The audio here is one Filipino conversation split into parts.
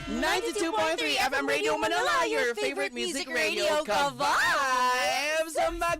92.3 FM Radio Manila, your favorite music radio ka-vibes!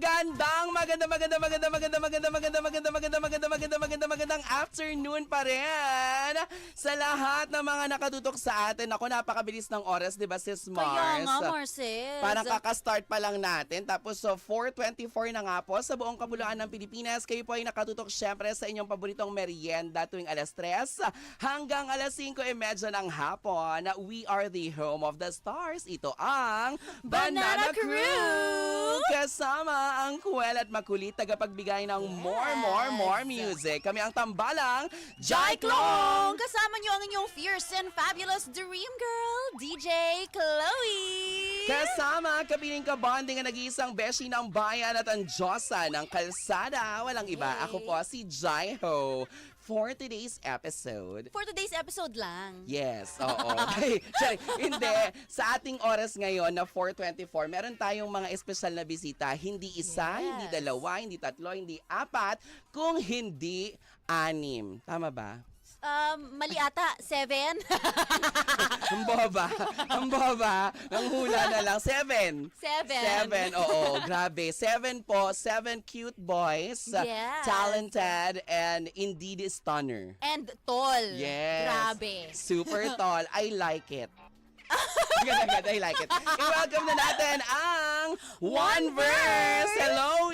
Magandang afternoon pa rin sa lahat ng mga nakatutok sa atin. Ako, napakabilis ng oras, di ba, sis Mars? Kaya nga, Marcel. Parang kakastart pa lang natin. Tapos, 4:24 na nga po sa buong kabuluhan ng Pilipinas. Kayo po ay nakatutok syempre sa inyong paboritong merienda tuwing alas 3 hanggang alas 5:30 ng hapon. We are the home of the stars. Ito ang Banana Crew! Kasama ang kuwel at makulit tagapagbigay ng more music. Kami ang tambalang Jai Klong! Kasama niyo ang inyong fierce and fabulous dream girl, DJ Chloe! Kasama kapiling kabonding ang nag-iisang beshi ng bayan at ang Diyosa ng kalsada. Walang iba. Ako po si Jai Ho. For today's episode. For today's episode lang. Yes, oo. Okay, sorry. Hindi. Sa ating oras ngayon na 4:24, meron tayong mga espesyal na bisita. Hindi isa, hindi dalawa, hindi tatlo, hindi apat, kung hindi 6. Tama ba? Mali ata, 7. Ang boba. Ang boba. Ang hula na lang. 7. 7. Oo. Grabe. 7 po. 7 cute boys. Yes. Talented and indeed stunner. And tall. Yes. Grabe. Super tall. I like it. Ganda, I like it. I-welcome na natin ang One Verse. Hello,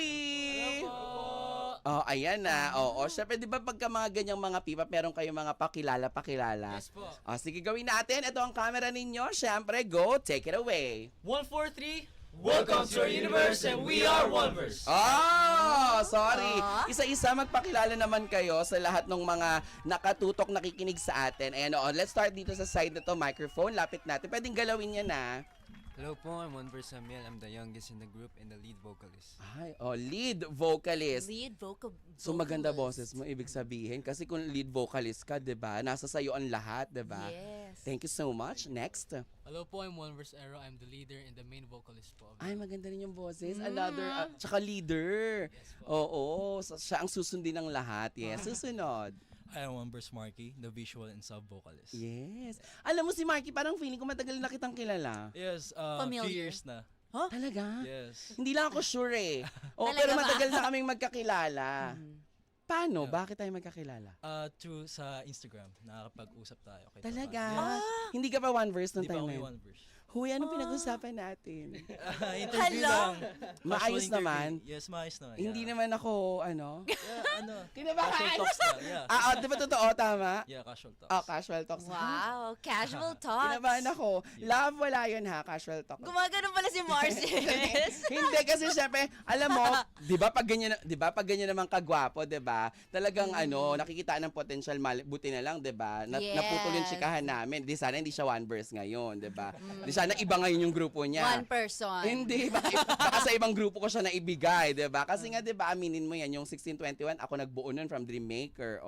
Oh, ayan na. Oo, syempre, di ba pagka mga ganyang mga pipa, meron kayong mga pakilala? Yes po. Oh, sige, gawin natin. Ito ang camera ninyo. Syempre, go. Take it away. 143, welcome to our universe and we are Oneverse. Oh, sorry. Isa-isa magpakilala naman kayo sa lahat ng mga nakatutok, nakikinig sa atin. Ayan, let's start dito sa side na to, microphone. Lapit natin. Pwedeng galawin yan, na. Hello po, I'm Oneverse Samuel. I'm the youngest in the group and the lead vocalist. Ay, lead vocalist. Lead vocal. So maganda boses mo, ibig sabihin. Kasi kung lead vocalist ka, di ba? Nasa sayo ang lahat, di ba? Yes. Thank you so much. Next. Hello po, I'm Oneverse Aero. I'm the leader and the main vocalist po. Ay, maganda rin yung boses. Another, tsaka leader. Oo, siya ang susundin ng lahat. Yes, susunod. I am Oneverse Marky, the visual and sub-vocalist. Yes. Alam mo si Marky, parang feeling ko matagal na kitang kilala. Yes, Familiar. few years na. Talaga? Yes. Hindi lang ako sure eh. Talaga Pero ba? matagal na kaming magkakilala. Paano? Bakit tayo magkakilala? Through sa Instagram, nakakapag-usap tayo. Kahit Talaga? paano. Hindi ka pa One Verse nung Di pa time ako na yung yun? Oneverse. Huy, anong pinag-usapan natin? Interview Hello? lang. Maayos Casual naman? interview. Yes, maayos naman. Hindi yeah. naman ako, ano? Yeah, Kinabahan? Casual talks na. Yeah. Di ba totoo? Tama? Yeah, casual talks. Casual talks. Wow, casual talks. Kinabahan ako. Love, wala yun ha, casual talk. Gumagano pala si Marcel. Hindi kasi syempre, alam mo, 'di ba pag ganyan naman kagwapo, 'di ba? Talagang nakikita ng potential, buti na lang, 'di ba? Yes. Naputol yung chikahan namin. Di sana hindi siya One Verse ngayon, 'di ba? Di sana iba ngayon yung grupo niya. One person. Hindi, baka sa ibang grupo ko siya naibigay, 'di ba? Kasi nga 'di ba, aminin mo 'yan, yung 1621 ako nagbuo nun from Dreammaker.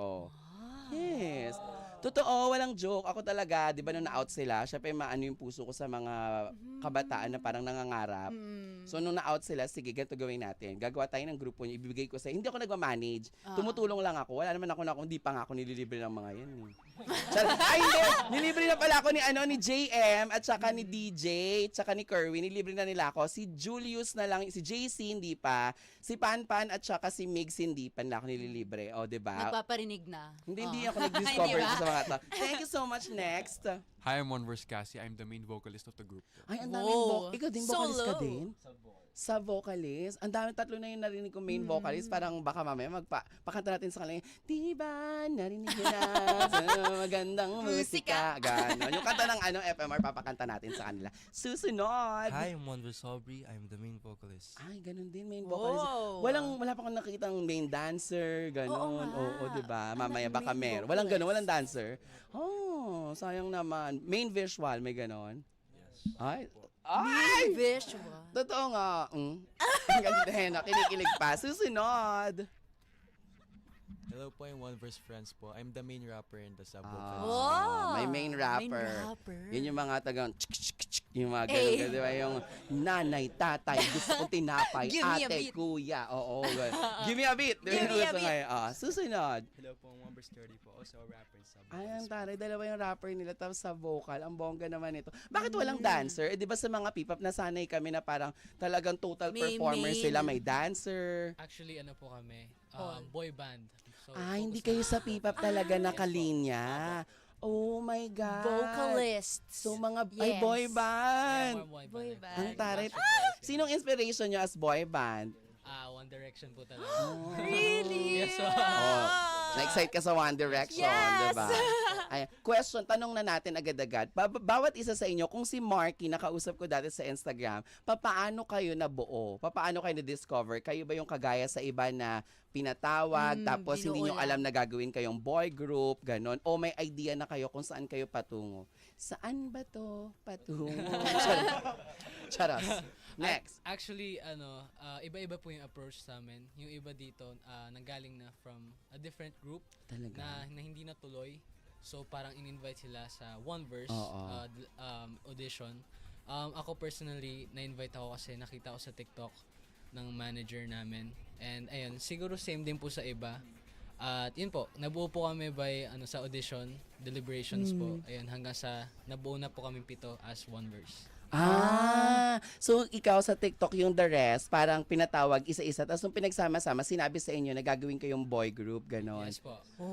Yes. Totoo, walang joke. Ako talaga, 'di ba nung na-out sila, syempre maano yung puso ko sa mga kabataan na parang nangangarap. So nung na-out sila, sige, ganito gawin natin. Gagawa tayo ng grupo niyo, ibibigay ko sa. Hindi ako nagma-manage. Tumutulong lang ako. Wala naman ako hindi pa nga ako nililibre ng mga 'yan eh. Ay, hindi. Nilibre na pala ako ni JM at saka ni DJ, at saka ni Kerwin. Nilibre na nila ako. Si Julius na lang, si JC hindi pa, si Panpan at saka si Migs hindi pa nila ako nililibre. O, 'di ba? Nagpaparinig na. Hindi ako nag-discover Hindi ba? sa mga to. Thank you so much. Next. Hi, I'm Oneverse Cassie. I'm the main vocalist of the group. Ay, ang daming Whoa. Ikaw din vocalist ka Solo. din? Sa vocalist. Ang dami, tatlo na yung narinig ko main vocalist. Parang baka mamaya pakanta natin sa kanila. Diba, narinig mo na sa magandang musika. Ganon. Yung kanta ng FMR, papakanta natin sa kanila. Susunod. Hi, I'm Oneverse Aubrey. I'm the main vocalist. Ay, ganun din, main vocalist. Wow. Wala pa akong nakikita ng main dancer, ganun. Oo, diba? Mamaya baka main meron. Walang ganun, vocalist. walang dancer. Oh, sayang naman. Main visual, may ganun. Yes. Ay! Visual. Totoo nga. Ang ganda na, kinikilig pa. Susunod. Hello po, I'm One Verse Friends po. I'm the main rapper in the sub-vocals. Oh, may main rapper. Yun yung mga tagang yung mga ganun, di ba? Yung nanay, tatay, gusto kong tinapay, Give me a ate, beat. kuya. Oo, ganun. Give me a beat. Di ba Give yung me a gusto beat. ngayon? Susunod. Hello po, I'm One Verse 30 po. Also a rapper in sub Ay, ang taray. Dalawa yung rapper nila tapos sa vocal. Ang bongga naman ito. Bakit Mm. walang dancer? Eh, di ba sa mga P-pop nasanay kami na parang talagang total May performers main. sila. May dancer. Actually, ano po kami? All. Boy band. So, Hindi focus kayo sa P-pop talaga nakalinya. Oh my God. Vocalists. So mga Yes. boy Yeah, band. more Boy like band. Ang taray. Backstreet Boys, Sinong inspiration nyo as boy band? One Direction po talaga. Really? Yes, so, Oh, na-excite ka sa One Direction, Yes! diba? Ay, question, tanong na natin agad-agad. Bawat isa sa inyo, kung si Marky, nakausap ko dati sa Instagram, papaano kayo nabuo? Papaano kayo na-discover? Kayo ba yung kagaya sa iba na pinatawag, tapos hindi nyo binuo alam na gagawin kayong boy group, ganon? O may idea na kayo kung saan kayo patungo? Saan ba to patungo? Charas. Next. Actually, iba-iba po yung approach sa amin. Yung iba dito, nanggaling na from a different group Talaga. na hindi natuloy. So, parang in-invite sila sa One Verse Oo. audition. Ako personally, na-invite ako kasi nakita ko sa TikTok ng manager namin. And ayun, siguro same din po sa iba. At yun po, nabuo po kami by sa audition, deliberations po. Ayun, hanggang sa nabuo na po kami 7 as One Verse. So ikaw sa TikTok yung the rest, parang pinatawag isa-isa, tapos nung pinagsama-sama, sinabi sa inyo na gagawin kayong boy group, ganon. Yes po.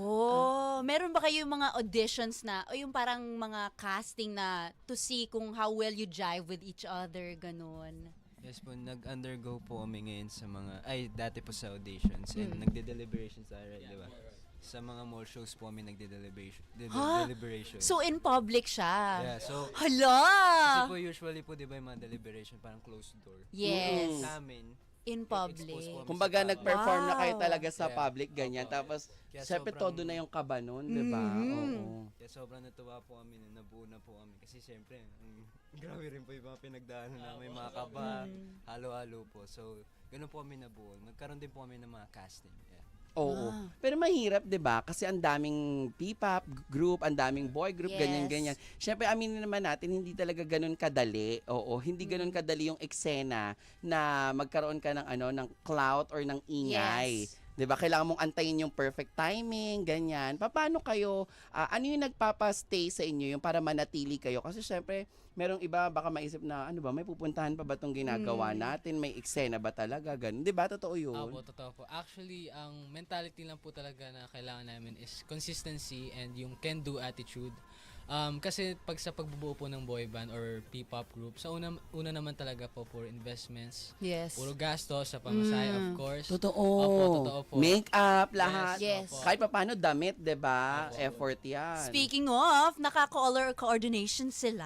Meron ba kayo yung mga auditions na, o yung parang mga casting na to see kung how well you jive with each other, ganun? Yes po, nag-undergo po kami ngayon sa dati po sa auditions and nagde-deliberations alright, di ba? Sa mga mall shows po kami nagde-deliberation. So, in public siya? Yeah, so, Hala! kasi po usually po, di ba, yung mga deliberation parang closed door. Yes. Sa amin, In expose public. po kami Kumbaga sa tao. nag-perform na kayo Wow. talaga sa Yeah. public, ganyan. Opo. Tapos, Kaya syempre sobrang- todo na yung kaba nun, di ba? Oo. Kaya sobrang natuwa po kami na nabuo na po kami. Kasi syempre, grabe rin po yung mga pinagdaanan namin, mga kaba, halo-halo po. So, ganun po kami nabuo. Nagkaroon din po kami ng mga casting. Yeah. Oo. Pero mahirap, 'di ba? Kasi ang daming P-pop group, ang daming boy group, Yes. ganyan-ganyan. Syempre aminin naman natin hindi talaga ganun kadali. Oo, hindi ganun kadali yung eksena na magkaroon ka ng ng clout or ng ingay. Yes. 'Di ba? Kailangan mong antayin yung perfect timing, ganyan. Paano kayo ano yung nagpapa-stay sa inyo yung para manatili kayo? Kasi syempre merong iba baka maisip na ano ba, may pupuntahan pa ba tong ginagawa natin? May eksena ba talaga? Ganun. 'Di ba? Totoo 'yun. Opo, totoo po. Actually, ang mentality lang po talaga na kailangan namin is consistency and yung can-do attitude. Kasi pag sa pagbubuo po ng boy band or P-pop group, sa una naman talaga po for investments. Yes. Puro gastos sa pamasahe, of course. Totoo. Opo, totoo po. Make-up, lahat. Yes. Opo. Kahit pa paano, damit, 'di ba? Opo. Effort yan. Speaking of, naka-color coordination sila.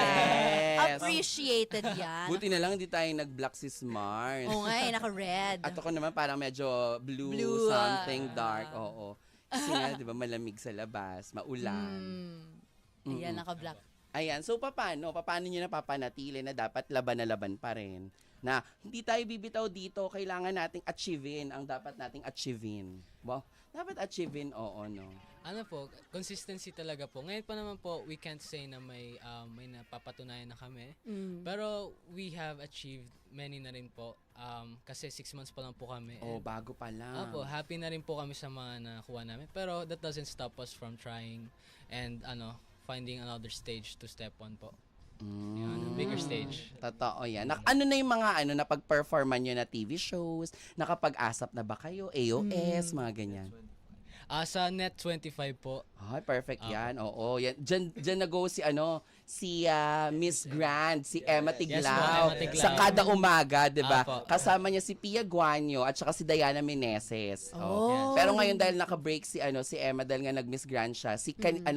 Yes. Appreciated yan. Buti na lang hindi tayo nag-black si Smart. Oo nga eh, naka-red. At ako naman parang medyo blue, Blue, something dark. Oo. Kasi nga, 'di ba, malamig sa labas, maulan. Ayan, naka-black. Ayan, so paano niyo napapanatili na dapat laban na laban pa rin? Na hindi tayo bibitaw dito, kailangan nating achievein ang dapat nating achievein. Wow, dapat achievein, oo, no? Ano po, consistency talaga po. Ngayon pa naman po, we can't say na may napapatunayan na kami. Pero we have achieved many na rin po. Kasi 6 months pa lang po kami. Oh, And, bago pa lang. Opo, happy na rin po kami sa mga nakuha namin. Pero that doesn't stop us from trying and finding another stage to step on po. Yun, bigger stage. Totoo yan. Ano na yung mga napag-performan nyo na TV shows? Nakapag-asap na ba kayo? AOS, mga ganyan. Sa Net 25 po. Ay, perfect yan. Oo, yan. Diyan nag-go si Miss Grand, si Emma Tiglao. Emma Tiglao. Sa kada umaga, 'di ba? Apo. Kasama niya si Pia Guanyo at saka si Diana Meneses. Oh. Pero ngayon dahil naka-break si Emma dahil nga nag-Miss Grand siya, si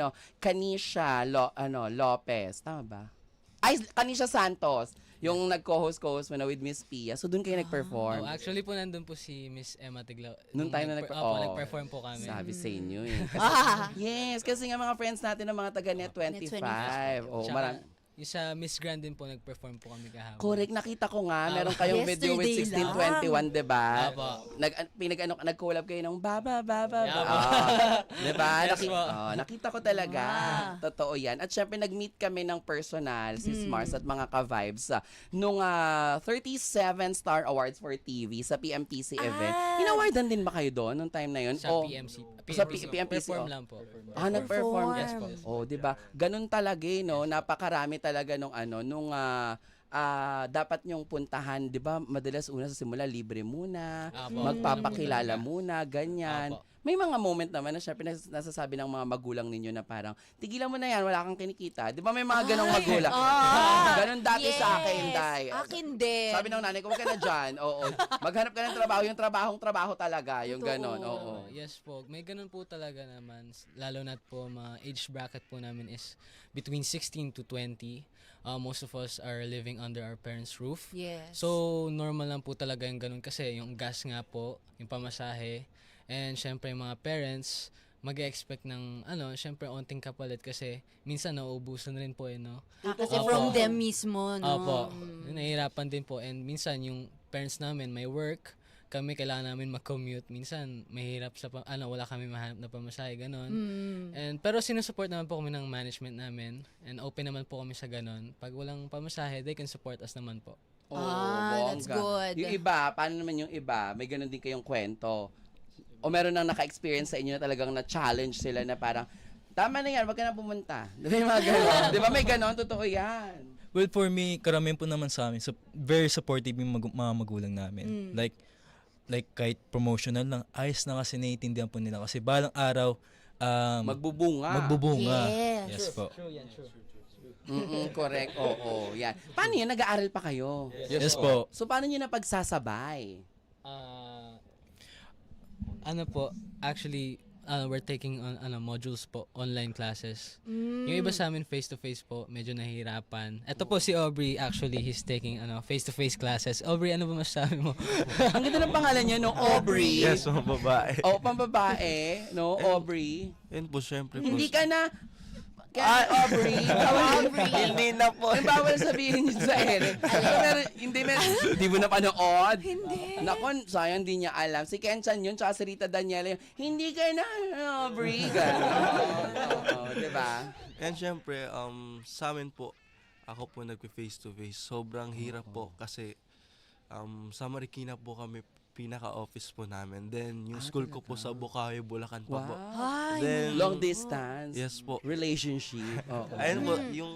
Kanisha Lopez, tama ba? Ay, Kanisha Santos, yung nag-co-host mo na with Miss Pia. So doon kayo nag-perform. Actually po nandun po si Miss Emma Tiglao. Nung tayo na nag-perform po kami. Sabi sa inyo eh. Kasi, yes, kasi nga mga friends natin ng mga taga Net 25. Oh, Tsaka, yung sa Miss Grand din po, nag-perform po kami kahapon. Correct, nakita ko nga, meron kayong video with Yesterday 1621, 'di ba? Apo. Nag-collab kayo ng baba. Apo. 'Di ba? Yes po. Nakita ko talaga. Ah. Totoo 'yan. At syempre nag-meet kami ng personal si Mars at mga ka-vibes nung 37 Star Awards for TV sa PMPC event. Inawardan din ba kayo doon nung time na 'yon? Sa PMC. Sa PMPC, Perform oh. lang po. Nag-perform. Yes po. Oh, 'di ba? Ganun talaga no, napakarami talaga nung dapat nyong puntahan, 'di ba? Madalas una sa simula libre muna, Apo. magpapakilala muna, ganyan. Apo. May mga moment naman na syempre nasasabi ng mga magulang ninyo na parang, tigilan mo na yan, wala kang kinikita. Di ba may mga ganong magulang? Ganon dati sa akin, Day. Akin din. Sabi ng nanay ko, wag ka na dyan. Oo. Maghanap ka ng trabaho. Yung trabaho talaga. Yung Totoo. ganon. Oo. Yes po. May ganun po talaga naman. Lalo na po, mga age bracket po namin is between 16 to 20. Most of us are living under our parents' roof. Yes. So, normal lang po talaga yung ganun kasi yung gas nga po, yung pamasahe, and syempre yung mga parents, mag-expect ng, syempre onting kapalit kasi minsan nauubusan rin po no? Kasi Opo. from them mismo, no? Opo. Nahihirapan din po. And minsan yung parents namin may work, kami kailangan namin mag-commute. Minsan mahirap sa wala kami mahanap na pamasahe, ganon. And pero sinusupport naman po kami ng management namin and open naman po kami sa ganon. Pag walang pamasahe, they can support us naman po. That's bongga. good. Yung iba, paano naman yung iba? May ganun din kayong kwento. O meron nang naka-experience sa inyo na talagang na-challenge sila na parang, tama na yan, wag ka na pumunta. Di ba yung mga ganon? Di ba may ganon? Totoo yan. Well, for me, karamihan po naman sa amin, very supportive yung mga magulang namin. Like kahit promotional lang, ayos na kasi naiintindihan po nila. Kasi balang araw, Magbubunga. Yes. Yes po. Correct. Oo, yan. Paano yun? Nag-aaral pa kayo? Yes po. So, paano nyo napagsasabay? Actually, we're taking on modules po, online classes. Yung iba sa amin face-to-face po, medyo nahihirapan. Ito po si Aubrey, actually, he's taking face-to-face classes. Aubrey, ano ba masasabi mo? Ang ganda ng pangalan niya, no? Aubrey. Yes, mga babae. Pambabae, no? Aubrey. Yun po, syempre po. Hindi ka na... Aubrey. Aubrey. Hindi na po. Yung bawal sabihin yun sa Eric. Pero hindi mo na panood. Hindi. Nakon, sayang hindi niya alam. Si Kenchan yun, tsaka si Rita Daniela yun. Hindi ka na, Aubrey. Oo, diba? And syempre, sa amin po, ako po nagpe-face to face. Sobrang hirap po kasi sa Marikina po kami pinaka-office po namin. Then, yung school ko po sa Bukawi, Bulacan pa po. Ay, Then, Long distance. Yes po. Relationship. Oo. Ayun po, yung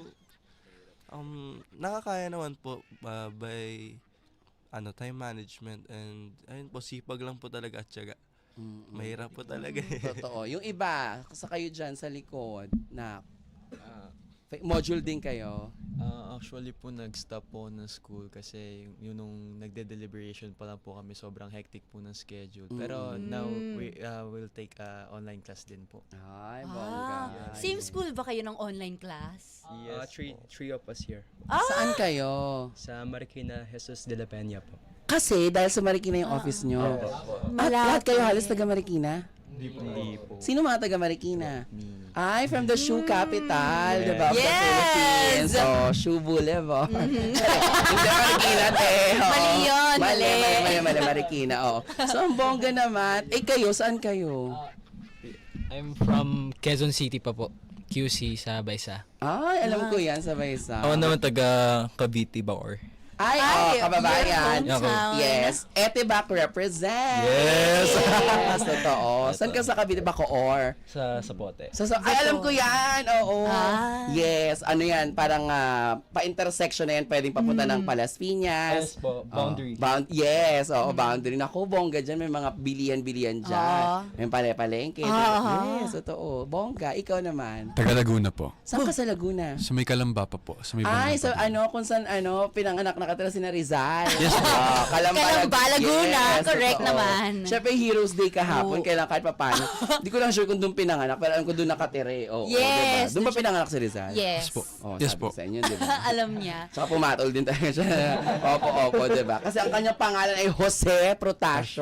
nakakaya naman po by time management and ayun po, sipag lang po talaga at tiyaga. Mahirap po talaga eh. Totoo. Yung iba, sa kayo dyan sa likod, na module din kayo. Actually po, nag-stop po ng school kasi yun nung nagde-deliberation pa lang po kami, sobrang hectic po ng schedule. Pero now, we will take online class din po. Ay, bongga. Same school ba kayo ng online class? Yes, three of us here. Saan kayo? Sa Marikina, Jesus de la Peña po. Kasi dahil sa Marikina yung office nyo. At lahat kayo halos taga Marikina? Hindi po. Sino mga taga Marikina? Ay, from the shoe capital, di ba? Of the Yes! Philippines. Oh, shoe boulevard. Hindi Marikina, te. Oo. Mali yun, Mali, Marikina. Oh. So, ang bongga naman. Kayo, saan kayo? I'm from Quezon City pa po. QC sa Baysa. Ay, alam ko yan, sabay sa. Ako naman taga Cavite, Bacoor. Ay, kababayan. your hometown. Yes. Etibak represent. Yes! Yes, totoo. Saan ka sa Cavite, Bacoor? Sa Sapote. Ay, alam ko yan. Oo. Ah. Yes. Ano yan? Parang pa-intersection na yan. Pwedeng papunta ng Palas Piñas. Yes po, boundary. Yes. Oo, boundary. Naku, bongga dyan. May mga bilian-bilian dyan. May pale-palengke. Yes, totoo. Bongga. Ikaw naman. Taga Laguna po. Saan ka sa Laguna? Sa may Kalamba pa po. Sa may Ay, Banana so pa. kung saan pinanganak nakatira si Rizal. Yes. Kalamba, Laguna. Correct totoo. naman. Siyempre, Heroes Day kahapon. Kailan kahit paano. Hindi ko lang sure kung doon pinanganak, pero alam ko doon nakatira. Oo, Yes. diba? Doon ba pinanganak si Rizal? Yes. po. Oh, Yes sabi po. ko sa inyo, diba? Alam niya. Saka pumatol din talaga siya. Opo, diba? Kasi ang kanyang pangalan ay Jose Protasio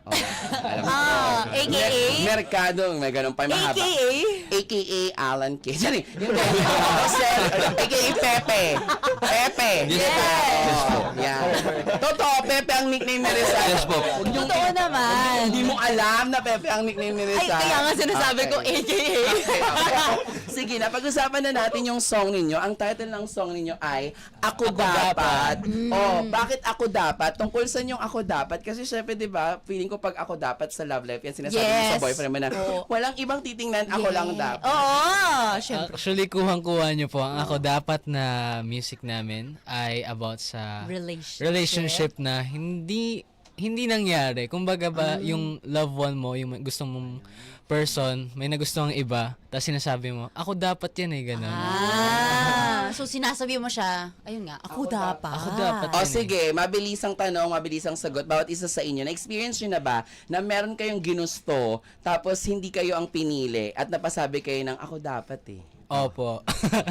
Oh, alam mo. AKA? Merkado, may ganun pa, mahaba. AKA? AKA Alan K. Sorry, hindi. AKA Pepe. Pepe. Yes. Oh, yan. Totoo, Pepe ang nickname ni Rizal. Yes po. Totoo naman. Hindi mo alam na Pepe ang nickname ni Ay, Rizal. kaya nga sinasabi ko, Okay. AKA. Sige na, pag-usapan na natin yung song ninyo. Ang title ng song ninyo ay Ako Dapat. Oh, bakit Ako Dapat? Tungkol sa yung Ako Dapat. Kasi syempre, di ba, feeling ko pag Ako Dapat sa love life, yan sinasabi mo Yes. sa boyfriend mo na, Oo. walang ibang titingnan, ako lang dapat. Oo, syempre. Actually, kuhang-kuha nyo po. Ang Ako Dapat na music namin ay about sa relationship na hindi nangyari. Kumbaga ba, yung loved one mo, yung gusto mong person, may nagustuhan iba, tapos sinasabi mo, ako dapat yan eh, gano'n. So sinasabi mo siya, ayun nga, ako dapat. Ako dapat. O sige, mabilisang tanong, mabilisang sagot. Bawat isa sa inyo, na-experience nyo na ba na meron kayong ginusto, tapos hindi kayo ang pinili, at napasabi kayo ng ako dapat eh? Opo.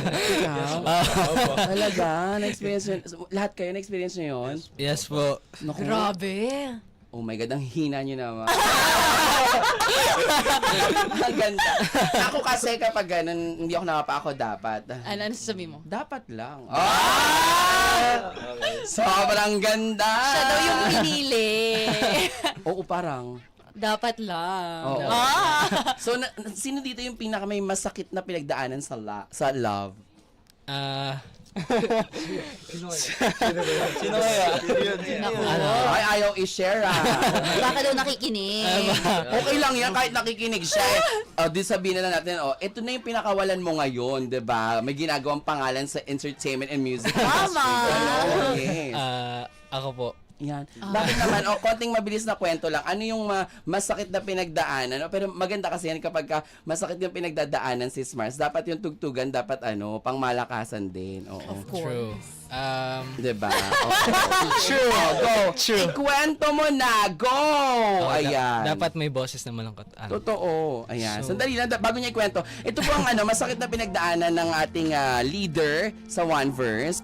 Talaga? Na-experience nyo? Lahat kayo na-experience nyo yun? Yes po. Naku. Grabe. Oh my God, ang hina nyo naman. Ang ganda. Ako kasi kapag ganun, hindi ako nakapa-ako dapat. Ano sasabi mo? Dapat lang. Ah! Sobrang ganda. Siya daw yung pinili. Oo, parang. Dapat lang. Oo. So, sino dito yung pinaka may masakit na pinagdaanan sa love? Sino kaya? Ay, ayaw i-share ah. Baka daw nakikinig. Okay lang yan kahit nakikinig siya. Di sabihin na lang natin, ito na yung pinakawalan mo ngayon, 'di ba? May ginagawang pangalan sa entertainment and music Tama. industry. Yes. Ako po. Yan. Bakit naman, konting mabilis na kwento lang, ano yung masakit na pinagdaanan? Pero maganda kasi yan kapag masakit yung pinagdadaanan si Mars, dapat yung tugtugan, dapat pang malakasan din. Oo. Of course. True. Diba? True. Go. True. Ikwento mo na. Go! Ayan. Dapat may boses na malangkot. Totoo. Ayan. So- Sandali lang, bago niya ikwento. Ito po ang masakit na pinagdaanan ng ating leader sa One Verse.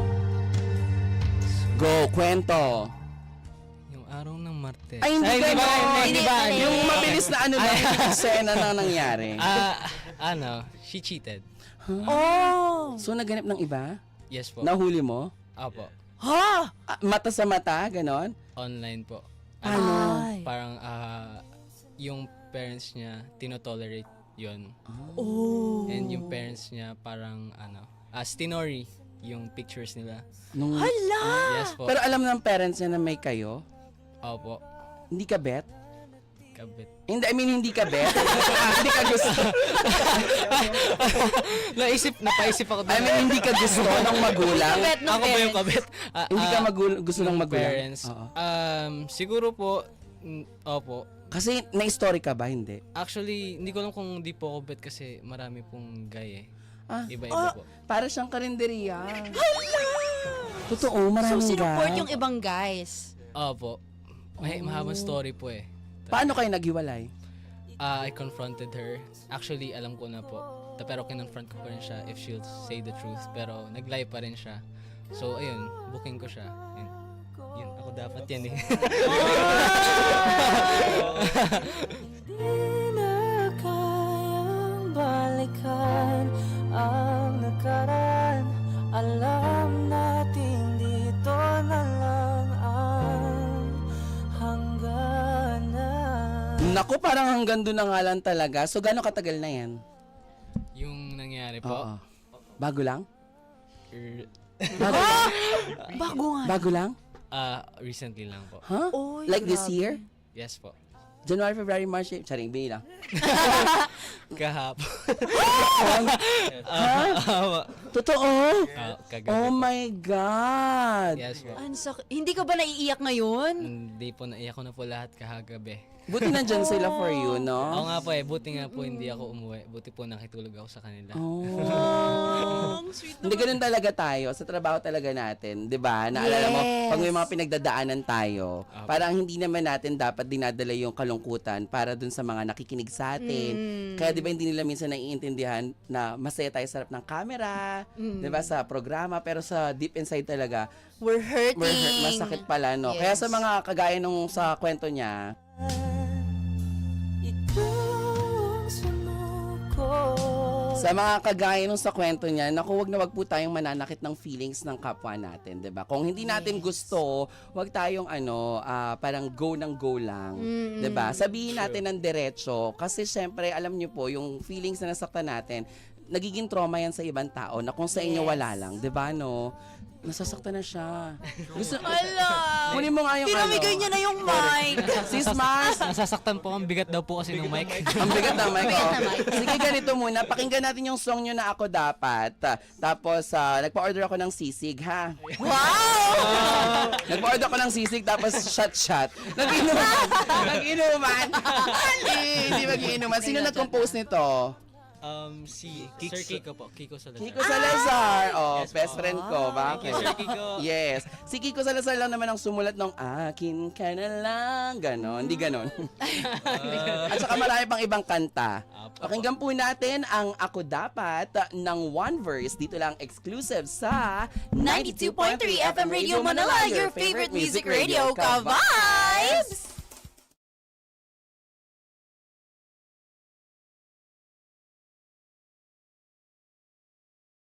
Go, kwento. Yung araw ng Martes. Ay, hindi ganon. Hindi ba? Yung mabilis na lang, yung eksena na nangyari. She cheated. Oh. So, naganap ng iba? Yes po. Nahuli mo? Opo. Ha? Mata sa mata, ganon? Online po. Ay. Parang yung parents niya tinotolerate yon. Oh. And yung parents niya parang stinori yung pictures nila. Nung, Hala. Yes po. pero alam ng parents niya na may kayo? Opo. Hindi ka bet? Kabit. Hindi, I mean, hindi ka bet? Hindi ka gusto. Napaisip ako I mean, hindi ka gusto ng magulang? Bet ng Ako ba yung parents. kabit? Hindi ka gusto ng Yung magulang? parents. Oo. Siguro po, opo. Kasi na-story ka ba? Hindi. Actually, hindi ko alam kung di po ako bet kasi marami pong guy eh. Ah, Iba-iba po. para siyang karinderiya. Totoo, maraming So, sinuport guy. yung ibang guys. Opo. Mahabang story po eh. Paano kayo naghiwalay? I confronted her. Actually, alam ko na po. Pero kinonfront ko pa rin siya if she'll say the truth. Pero nag-lie pa rin siya. So, ayun, booking ko siya. And, yun, ako dapat yan eh. balikan ang nakaraan. Alam natin dito na lang ang hangganan. Naku, parang hanggang doon na nga lang talaga. So, gano'ng katagal na yan? Yung nangyari po. Oo. Bago lang? er, Bago nga. Bago lang? recently lang po. Huh? Oy, Like this grabe. year? Yes po. January, February, March, April. Charing, bilang. Kahapon. Totoo? Kagabi Oh po. my God! Yes po. Hindi ka ba naiiyak ngayon? Hindi po, naiyak ko na po lahat kahagabi. Buti nandyan sila for you, Oo no? nga po eh, buti nga po hindi ako umuwi. Buti po nakitulog ako sa kanila. Oh. Ang sweet Hindi ganun talaga tayo. Sa trabaho talaga natin. 'Di ba? Naalala mo, Yes. pag may mga pinagdadaanan tayo, parang hindi naman natin dapat dinadala yung kalungkutan para dun sa mga nakikinig sa atin. Kaya 'di ba hindi nila minsan naiintindihan na masaya tayo sa harap ng camera, 'di ba, sa programa, pero sa deep inside talaga, We're hurting. masakit pala, no? Kaya Yes. sa mga kagaya nung sa kwento niya, Ikaw ang sumuko. Sa mga kagaya nung sa kwento niya, naku, wag po tayong mananakit ng feelings ng kapwa natin, 'di ba? Kung hindi natin gusto, wag tayong parang go ng go lang, 'di ba? Sabihin natin ng diretso kasi syempre, alam niyo po, yung feelings na nasaktan natin, nagiging trauma yan sa ibang tao na kung sa inyo wala lang, 'di ba, no? Nasasaktan na siya. Gusto, Ala! kunin mo nga yung Pinamigay niya na yung mic. Sis Mars, Nasasaktan po, ang bigat daw po kasi ng mic. ang bigat ng mic. Oh. Sige, ganito muna. Pakinggan natin yung song nyo na Ako Dapat. Tapos, nagpa-order ako ng sisig, ha? Wow! Nagpa-order ako ng sisig, tapos shot. Nag-inuman. Hindi mag-iinuman. Sino nag-compose nito? Si Sir Kiko po. Kiko Salazar. Kiko Salazar. Oh, Yes, best po. friend ko. Bakit? Thank you, Sir Kiko. Yes. Si Kiko Salazar lang naman ang sumulat ng akin ka na lang. Ganon. Hindi ganon. At saka marami pang ibang kanta. Pakinggan po natin ang Ako Dapat ng One Verse. Dito lang exclusive sa 92.3 FM Radio Manila, your favorite music radio, ka-vibes!